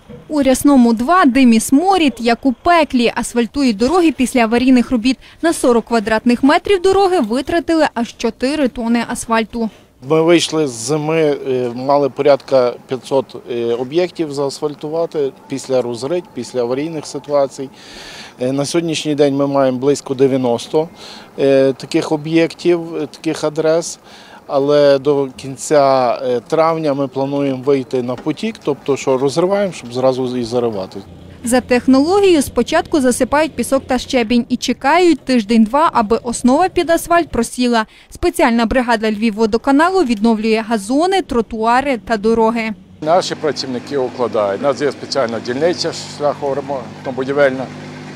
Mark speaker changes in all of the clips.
Speaker 1: У Рясному 2 дим і сморід, як у пеклі. Асфальтують дороги після аварійних робіт. На 40 квадратних метрів дороги витратили аж 4 тони асфальту.
Speaker 2: Ми вийшли з зими, мали порядка 500 об'єктів заасфальтувати після розрить, після аварійних ситуацій. На сьогоднішній день ми маємо близько 90 таких об'єктів, таких адрес. Але до кінця травня ми плануємо вийти на потік, тобто що розриваємо, щоб зразу і заривати.
Speaker 1: За технологією спочатку засипають пісок та щебінь і чекають тиждень-два, аби основа під асфальт просіла. Спеціальна бригада Львівводоканалу відновлює газони, тротуари та дороги.
Speaker 3: Наші працівники укладають. У нас є спеціальна дільниця шляхоремонтно-будівельна.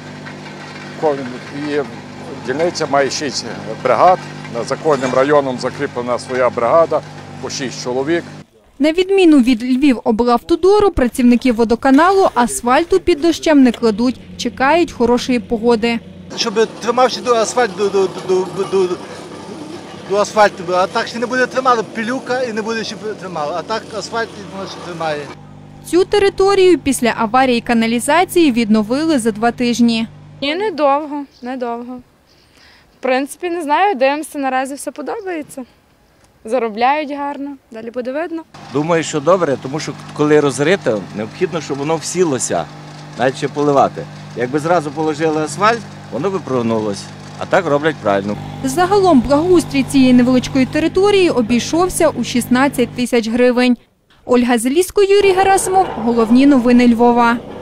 Speaker 3: І дільниця має 6 бригад. За кожним районом закріплена своя бригада, по 6 чоловік.
Speaker 1: На відміну від Львівоблавтодору, працівники водоканалу асфальту під дощем не кладуть, чекають хорошої погоди.
Speaker 4: Щоб тримався до асфальту, а так ще не буде тримати пилюка і не буде ще тримати, а так асфальт тримає.
Speaker 1: Цю територію після аварії каналізації відновили за 2 тижні.
Speaker 5: Ні, недовго. В принципі, не знаю, дивимося, наразі все подобається. Заробляють гарно, далі буде видно.
Speaker 6: Думаю, що добре, тому що коли розрито, необхідно, щоб воно всілося, навіть ще поливати. Якби зразу положили асфальт, воно би прогнулося, а так роблять правильно.
Speaker 1: Загалом благоустрій цієї невеличкої території обійшовся у 16 тисяч гривень. Ольга Залізко, Юрій Герасимов. Головні новини Львова.